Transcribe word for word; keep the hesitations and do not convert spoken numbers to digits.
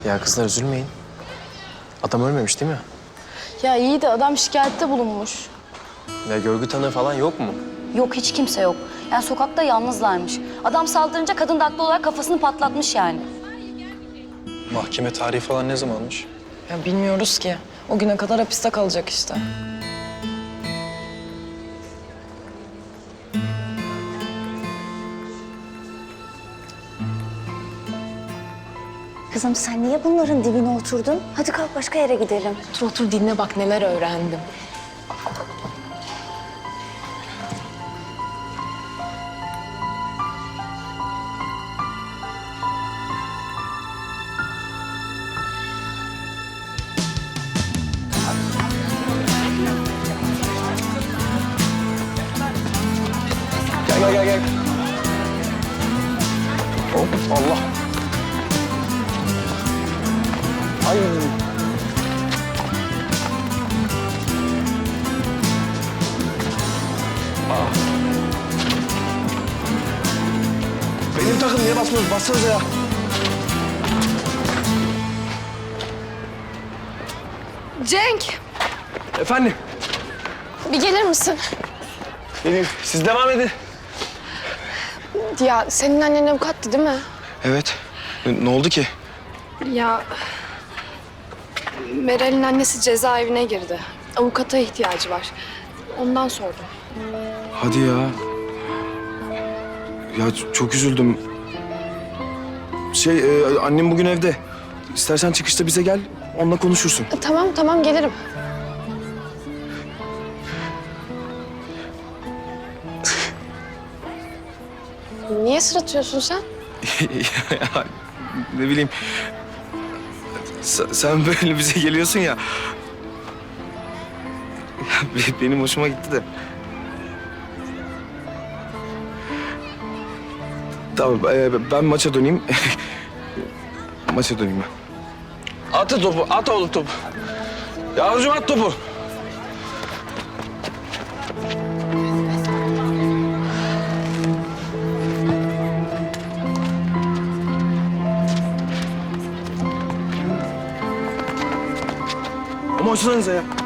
Ya kızlar üzülmeyin. Adam ölmemiş değil mi? Ya iyi de adam şikayette bulunmuş. Ya görgü tanığı falan yok mu? Yok, hiç kimse yok. Yani sokakta yalnızlarmış. Adam saldırınca kadın da haklı olarak kafasını patlatmış yani. Mahkeme tarihi falan ne zamanmış? Ya bilmiyoruz ki. O güne kadar hapiste kalacak işte. Kızım sen niye bunların dibine oturdun? Hadi kalk başka yere gidelim. Otur otur dinle bak neler öğrendim. Gel gel gel gel. Hop Allah. Ay. Aa. Benim takım niye basmıyoruz? Bassanıza ya. Cenk! Efendim? Bir gelir misin? Gelin. Siz devam edin. Ya senin annen avukattı değil mi? Evet. Ne oldu ki? Ya Meral'in annesi cezaevine girdi. Avukata ihtiyacı var. Ondan sordum. Hadi ya. Ya ç- çok üzüldüm. Şey, e, annem bugün evde. İstersen çıkışta bize gel, onunla konuşursun. E, tamam tamam gelirim. Niye sırıtıyorsun sen? Ya, ne bileyim. Sen, sen böyle bize geliyorsun ya. Ya, be- benim hoşuma gitti de. Tamam, e, ben maça döneyim. Maça döneyim ben. At topu, at oğlum topu. Yavrucuğum at topu. Ama açsanıza ya.